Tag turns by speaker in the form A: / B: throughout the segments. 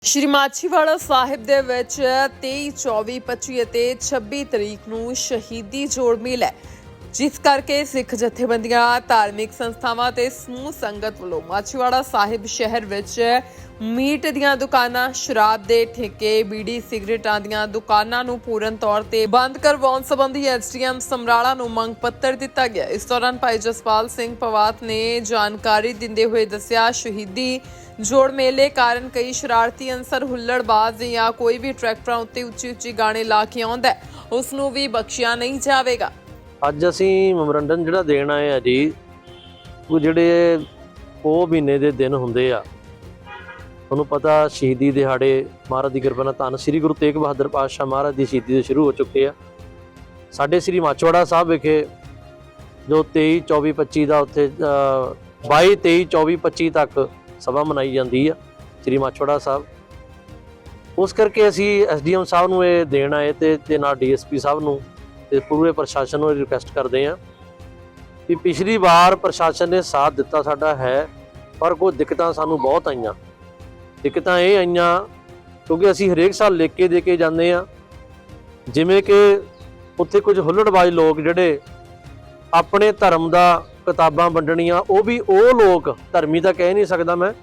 A: ਸ਼੍ਰੀ ਮਾਛੀਵਾੜਾ ਸਾਹਿਬ ਦੇ ਵਿੱਚ 23, 24, 25 ਅਤੇ 26 ਤਰੀਕ ਨੂੰ ਸ਼ਹੀਦੀ ਜੋੜ ਮੇਲਾ ਹੈ, ਜਿਸ ਕਰਕੇ ਸਿੱਖ ਜਥੇਬੰਦੀਆਂ, ਧਾਰਮਿਕ ਸੰਸਥਾਵਾਂ ਤੇ ਸਮੂਹ ਸੰਗਤ ਵੱਲੋਂ ਮਾਛੀਵਾੜਾ ਸਾਹਿਬ ਸ਼ਹਿਰ ਵਿੱਚ ਮੀਟ ਦੀਆਂ ਦੁਕਾਨਾਂ, ਸ਼ਰਾਬ ਦੇ ਠੇਕੇ, ਬੀੜੀ ਸਿਗਰਟਾਂ ਦੀਆਂ ਦੁਕਾਨਾਂ ਨੂੰ ਪੂਰਨ ਤੌਰ ਤੇ ਬੰਦ ਕਰਵਾਉਣ ਸੰਬੰਧੀ ਐਸਡੀਐਮ ਸਮਰਾਲਾ ਨੂੰ ਮੰਗ ਪੱਤਰ ਦਿੱਤਾ ਗਿਆ। ਇਸ ਦੌਰਾਨ ਭਾਈ ਜਸਪਾਲ ਸਿੰਘ ਪਵਾਤ ਨੇ ਜਾਣਕਾਰੀ ਦਿੰਦੇ ਹੋਏ ਦੱਸਿਆ, ਸ਼ਹੀਦੀ ਜੋੜ ਮੇਲੇ ਕਾਰਨ ਕਈ ਸ਼ਰਾਰਤੀ ਅੰਸਰ, ਹੁੱਲੜਬਾਜ਼ ਜਾਂ ਕੋਈ ਵੀ ਟਰੈਕਟਰਾਂ ਉੱਤੇ ਉੱਚੀ ਗਾਣੇ ਲਾ ਕੇ ਆਉਂਦਾ ਉਸ ਨੂੰ ਵੀ ਬਖਸ਼ਿਆ ਨਹੀਂ ਜਾਵੇਗਾ।
B: ਅੱਜ ਅਸੀਂ ਮੈਮੋਰੰਡਮ ਜਿਹੜਾ ਦੇਣ ਆਏ ਆ ਜੀ, ਉਹ ਜਿਹੜੇ ਉਹ ਮਹੀਨੇ ਦੇ ਦਿਨ ਹੁੰਦੇ ਆ, ਤੁਹਾਨੂੰ ਪਤਾ ਸ਼ਹੀਦੀ ਦਿਹਾੜੇ ਮਹਾਰਾਜ ਦੀ ਕਿਰਪਾ ਨਾਲ ਧੰਨ ਸ੍ਰੀ ਗੁਰੂ ਤੇਗ ਬਹਾਦਰ ਪਾਤਸ਼ਾਹ ਮਹਾਰਾਜ ਦੀ ਸ਼ਹੀਦੀ ਦੇ ਸ਼ੁਰੂ ਹੋ ਚੁੱਕੇ ਆ। ਸਾਡੇ ਸ੍ਰੀ ਮਾਛੀਵਾੜਾ ਸਾਹਿਬ ਵਿਖੇ ਜੋ 23, 24, 25 ਦਾ ਉੱਥੇ 22, 23, 24, 25 ਤੱਕ ਸਭਾ ਮਨਾਈ ਜਾਂਦੀ ਆ ਸ੍ਰੀ ਮਾਛੀਵਾੜਾ ਸਾਹਿਬ। ਉਸ ਕਰਕੇ ਅਸੀਂ ਐਸਡੀਐਮ ਸਾਹਿਬ ਨੂੰ ਇਹ ਦੇਣ ਆਏ ਤੇ ਨਾਲ ਡੀਐਸਪੀ ਸਾਹਿਬ ਨੂੰ ਤੇ ਪੂਰੇ ਪ੍ਰਸ਼ਾਸਨ ਨੂੰ ਰਿਕੁਐਸਟ ਕਰਦੇ ਹਾਂ ਕਿ ਪਿਛਲੀ ਵਾਰ ਪ੍ਰਸ਼ਾਸਨ ਨੇ ਸਾਥ ਦਿੱਤਾ ਸਾਡਾ ਹੈ, ਪਰ ਕੋਈ ਦਿੱਕਤਾਂ ਸਾਨੂੰ ਬਹੁਤ ਆਈਆਂ। ਦਿੱਕਤਾਂ ਇਹ ਆਈਆਂ ਕਿਉਂਕਿ ਅਸੀਂ ਹਰੇਕ ਸਾਲ ਲਿਖ ਕੇ ਦੇ ਕੇ ਜਾਂਦੇ ਹਾਂ, ਜਿਵੇਂ ਕਿ ਉੱਥੇ ਕੁਝ ਹੁੱਲੜਬਾਜ਼ ਲੋਕ ਜਿਹੜੇ ਆਪਣੇ ਧਰਮ ਦਾ ਕਿਤਾਬਾਂ ਵੰਡਣੀਆਂ, ਉਹ ਵੀ ਉਹ ਲੋਕ, ਧਰਮੀ ਤਾਂ ਕਹਿ ਨਹੀਂ ਸਕਦਾ ਮੈਂ,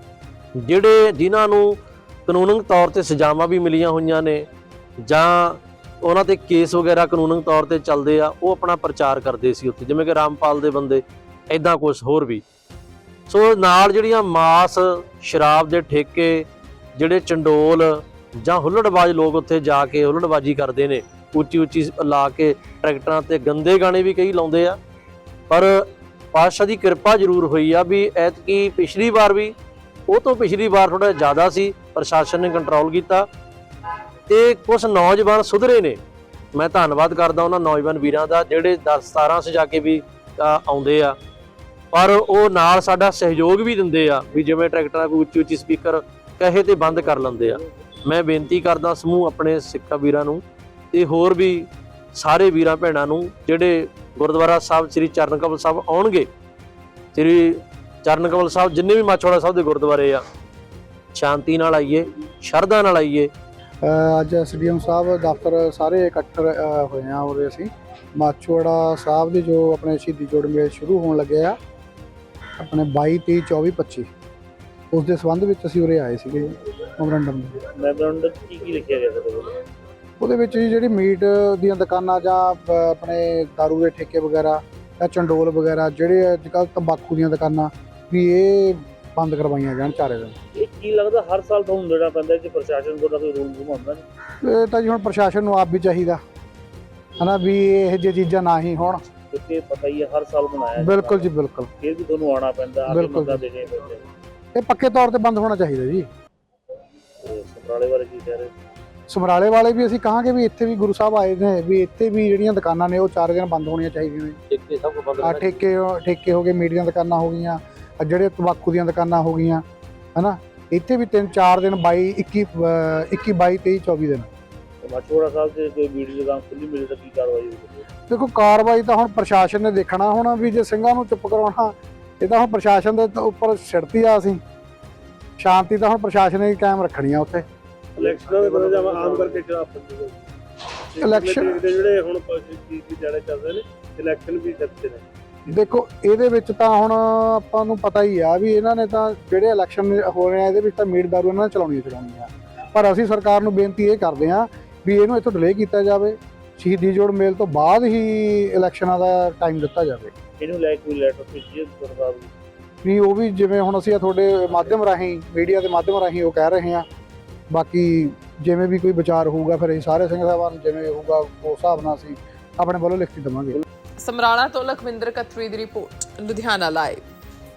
B: ਜਿਨ੍ਹਾਂ ਨੂੰ ਕਾਨੂੰਨਕ ਤੌਰ ਤੇ ਸਜ਼ਾਵਾਂ ਵੀ ਮਿਲੀਆਂ ਹੋਈਆਂ ਨੇ ਜਾਂ ਉਹਨਾਂ ਤੇ ਕੇਸ ਵਗੈਰਾ ਕਾਨੂੰਨਕ ਤੌਰ ਤੇ ਚੱਲਦੇ ਆ, ਉਹ ਆਪਣਾ ਪ੍ਰਚਾਰ ਕਰਦੇ ਸੀ ਉੱਥੇ, ਜਿਵੇਂ ਕਿ ਰਾਮਪਾਲ ਦੇ ਬੰਦੇ, ਐਦਾਂ ਕੁਛ ਹੋਰ ਵੀ। ਸੋ ਨਾਲ ਜਿਹੜੀਆਂ ਮਾਸ, ਸ਼ਰਾਬ ਦੇ ਠੇਕੇ, ਜਿਹੜੇ ਚੰਡੋਲ ਜਾਂ ਹੁੱਲੜਬਾਜ਼ ਲੋਕ ਉੱਥੇ ਜਾ ਕੇ ਹੁੱਲੜਬਾਜ਼ੀ ਕਰਦੇ ਨੇ, ਉੱਚੀ ਲਾ ਕੇ ਟਰੈਕਟਰਾਂ ਤੇ ਗੰਦੇ ਗਾਣੇ ਵੀ ਕਈ ਲਾਉਂਦੇ ਆ। ਪਰ ਪਾਤਸ਼ਾਹ ਦੀ ਕਿਰਪਾ ਜ਼ਰੂਰ ਹੋਈ ਆ ਵੀ ਐਤਕੀ ਪਿਛਲੀ ਵਾਰ ਵੀ ਉਹ ਤੋਂ ਪਿਛਲੀ ਵਾਰ ਥੋੜਾ ਜ਼ਿਆਦਾ ਸੀ, ਪ੍ਰਸ਼ਾਸਨ ਨੇ ਕੰਟਰੋਲ ਕੀਤਾ ਤੇ ਕੁਝ ਨੌਜਵਾਨ ਸੁਧਰੇ ਨੇ। ਮੈਂ ਧੰਨਵਾਦ ਕਰਦਾ ਉਹਨਾਂ ਨੌਜਵਾਨ ਵੀਰਾਂ ਦਾ ਜਿਹੜੇ 10-17 ਸਜਾ ਕੇ ਵੀ ਆਉਂਦੇ ਆ, ਪਰ ਉਹ ਨਾਲ ਸਾਡਾ ਸਹਿਯੋਗ ਵੀ ਦਿੰਦੇ ਆ ਵੀ ਜਿਵੇਂ ਟਰੈਕਟਰਾਂ ਕੋਈ ਉੱਚੀ ਸਪੀਕਰ ਕਹੇ ਤੇ ਬੰਦ ਕਰ ਲੈਂਦੇ ਆ। ਮੈਂ ਬੇਨਤੀ ਕਰਦਾ ਸਮੂਹ ਆਪਣੇ ਸਿੱਖਾਂ ਵੀਰਾਂ ਨੂੰ ਤੇ ਹੋਰ ਵੀ ਸਾਰੇ ਵੀਰਾਂ ਭੈਣਾਂ ਨੂੰ ਜਿਹੜੇ ਗੁਰਦੁਆਰਾ ਸਾਹਿਬ ਸ੍ਰੀ ਚਰਨ ਕਮਲ ਸਾਹਿਬ ਆਉਣਗੇ, ਸ੍ਰੀ ਚਰਨ ਕਮਲ ਸਾਹਿਬ ਜਿੰਨੇ ਵੀ ਮਾਛੀਵਾੜਾ ਸਾਹਿਬ ਦੇ ਗੁਰਦੁਆਰੇ ਆ, ਸ਼ਾਂਤੀ ਨਾਲ ਆਈਏ, ਸ਼ਰਧਾ ਨਾਲ ਆਈਏ।
C: ਅੱਜ ਐਸਡੀਐਮ ਸਾਹਿਬ ਦਫ਼ਤਰ ਸਾਰੇ ਇਕੱਠੇ ਹੋਏ ਆ ਔਰ ਅਸੀਂ ਮਾਛੀਵਾੜਾ ਸਾਹਿਬ ਦੇ ਜੋ ਆਪਣੇ ਸ਼ਹੀਦੀ ਜੋੜ ਮੇਲੇ ਸ਼ੁਰੂ ਹੋਣ ਲੱਗੇ ਆ ਆਪਣੇ 22, 23, 24, 25 ਉਸ ਦੇ ਸੰਬੰਧ ਵਿੱਚ ਅਸੀਂ ਉਰੇ ਆਏ ਸੀਗੇ ਮੈਮੋਰੰਡਮ ਦੇ।
B: ਕੀ ਲਿਖਿਆ ਗਿਆ
C: ਉਹਦੇ ਵਿੱਚ ਜੀ ਜਿਹੜੀ ਮੀਟ ਦੀਆਂ ਦੁਕਾਨਾਂ ਜਾਂ ਆਪਣੇ ਦਾਰੂ ਦੇ ਠੇਕੇ ਵਗੈਰਾ ਜਾਂ ਚੰਡੋਲ ਵਗੈਰਾ, ਜਿਹੜੇ ਅੱਜ ਕੱਲ੍ਹ ਤੰਬਾਕੂ ਦੀਆਂ ਦੁਕਾਨਾਂ ਵੀ ਇਹ ਬੰਦ ਕਰਵਾਈਆਂ ਜਾਣ 4 ਦਿਨ।
B: ਇਹ ਕੀ ਲੱਗਦਾ ਹਰ ਸਾਲ ਤੁਹਾਨੂੰ ਦੇਣਾ ਪੈਂਦਾ ਕਿ ਪ੍ਰਸ਼ਾਸਨ ਕੋਲ ਕੋਈ ਰੂਲ ਘੁਮਾਉਂਦਾ ਨਹੀਂ?
C: ਇਹ ਤਾਂ ਜੀ ਹੁਣ ਪ੍ਰਸ਼ਾਸਨ ਨੂੰ ਆਪ ਵੀ ਚਾਹੀਦਾ ਹੈ ਨਾ ਵੀ ਇਹ ਜਿਹੀ ਚੀਜ਼ਾਂ ਨਾ ਹੀ ਹੋਣ,
B: ਕਿਉਂਕਿ ਪਤਾ ਹੀ ਹੈ ਹਰ ਸਾਲ ਬਣਾਇਆ।
C: ਬਿਲਕੁਲ ਜੀ ਬਿਲਕੁਲ,
B: ਫਿਰ ਵੀ ਤੁਹਾਨੂੰ ਆਉਣਾ ਪੈਂਦਾ,
C: ਬਿਲਕੁਲ
B: ਦੇਣੇ ਪੈਂਦੇ।
C: ਇਹ ਪੱਕੇ ਤੌਰ ਤੇ ਬੰਦ ਹੋਣਾ ਚਾਹੀਦਾ ਜੀ।
B: ਸਮਰਾਲੇ ਬਾਰੇ ਕੀ ਕਹਿ ਰਹੇ?
C: ਸਮਰਾਲੇ ਵਾਲੇ ਵੀ ਅਸੀਂ ਕਹਾਂਗੇ ਵੀ ਇੱਥੇ ਵੀ ਗੁਰੂ ਸਾਹਿਬ ਆਏ ਨੇ ਵੀ ਇੱਥੇ ਵੀ ਜਿਹੜੀਆਂ ਦੁਕਾਨਾਂ ਨੇ ਉਹ 4 ਦਿਨ ਬੰਦ ਹੋਣੀਆਂ ਚਾਹੀਦੀਆਂ ਨੇ।
B: ਠੇਕੇ ਸਭ ਕੁਝ ਬੰਦ,
C: ਠੇਕੇ ਹੋ ਗਏ, ਮੀਟ ਦੀਆਂ ਦੁਕਾਨਾਂ ਹੋ ਗਈਆਂ, ਜਿਹੜੇ ਤੰਬਾਕੂ ਦੀਆਂ ਦੁਕਾਨਾਂ ਹੋ ਗਈਆਂ, ਹਨਾ। ਇੱਥੇ ਵੀ 3-4 ਦਿਨ 22, 21, 22, 23, 24 ਦਿਨ।
B: ਮਾਛੀਵਾੜਾ ਸਾਹਿਬ ਤੇ ਕੋਈ ਵੀਡੀਓ ਦੁਕਾਨ ਖੁੱਲੀ ਮਿਲੇ ਤਾਂ ਕੀ ਕਾਰਵਾਈ ਹੋਊਗੀ?
C: ਦੇਖੋ ਕਾਰਵਾਈ ਤਾਂ ਹੁਣ ਪ੍ਰਸ਼ਾਸਨ ਨੇ ਦੇਖਣਾ ਹੁਣ ਵੀ ਜੇ ਸਿੰਘਾਂ ਨੂੰ ਚੁੱਪ ਕਰਾਉਣਾ, ਇਹ ਤਾਂ ਹੁਣ ਪ੍ਰਸ਼ਾਸਨ ਦੇ ਉੱਪਰ ਛਿੜਤੀ ਆ। ਅਸੀਂ ਸ਼ਾਂਤੀ ਤਾਂ ਹੁਣ ਪ੍ਰਸ਼ਾਸਨ ਨੇ ਕਾਇਮ ਰੱਖਣੀ ਆ ਉੱਥੇ।
B: ਇਲੈਕਸ਼ਨਾਂ ਦੇ ਬਾਰੇ ਆਮ ਕਰਕੇ
C: ਇਲੈਕਸ਼ਨ
B: ਜਿਹੜੇ ਹੁਣ ਕੀ ਜਾਣੇ ਚੱਲਦੇ ਨੇ, ਇਲੈਕਸ਼ਨ ਵੀ ਕਰਦੇ ਨੇ।
C: ਦੇਖੋ ਇਹਦੇ ਵਿੱਚ ਤਾਂ ਹੁਣ ਆਪਾਂ ਨੂੰ ਪਤਾ ਹੀ ਆ ਵੀ ਇਹਨਾਂ ਨੇ ਤਾਂ ਜਿਹੜੇ ਇਲੈਕਸ਼ਨ ਹੋ ਰਹੇ ਆ ਇਹਦੇ ਵਿੱਚ ਤਾਂ ਮੀਟ ਦਾਰੂ ਇਹਨਾਂ ਨੇ ਚਲਾਉਣੀ ਆ। ਪਰ ਅਸੀਂ ਸਰਕਾਰ ਨੂੰ ਬੇਨਤੀ ਇਹ ਕਰਦੇ ਹਾਂ ਵੀ ਇਹਨੂੰ ਇੱਥੋਂ ਡਿਲੇ ਕੀਤਾ ਜਾਵੇ, ਸ਼ਹੀਦੀ ਜੋੜ ਮੇਲ ਤੋਂ ਬਾਅਦ ਹੀ ਇਲੈਕਸ਼ਨਾਂ ਦਾ ਟਾਈਮ ਦਿੱਤਾ ਜਾਵੇ।
B: ਇਹਨੂੰ ਲੈ ਕੇ ਲੈਟਰ ਭੇਜੀਏ ਸਰਕਾਰ ਨੂੰ
C: ਨਹੀਂ, ਉਹ ਵੀ ਜਿਵੇਂ ਹੁਣ ਅਸੀਂ ਤੁਹਾਡੇ ਮਾਧਿਅਮ ਰਾਹੀਂ, ਮੀਡੀਆ ਦੇ ਮਾਧਿਅਮ ਰਾਹੀਂ ਉਹ ਕਹਿ ਰਹੇ ਹਾਂ। ਬਾਕੀ ਜਿਵੇਂ ਵੀ ਕੋਈ ਵਿਚਾਰ ਹੋਊਗਾ ਫਿਰ ਅਸੀਂ ਸਾਰੇ ਸਿੰਘ ਸਾਹਿਬਾਨ ਜਿਵੇਂ ਹੋਊਗਾ ਉਸ ਹਿਸਾਬ ਨਾਲ ਅਸੀਂ ਆਪਣੇ ਵੱਲੋਂ ਲਿਖਤੀ ਦੇਵਾਂਗੇ।
A: ਸਮਰਾਲਾ ਤੋਂ ਲਖਵਿੰਦਰ ਕਤਰੀ ਦੀ ਰਿਪੋਰਟ, ਲੁਧਿਆਣਾ ਲਾਈਵ।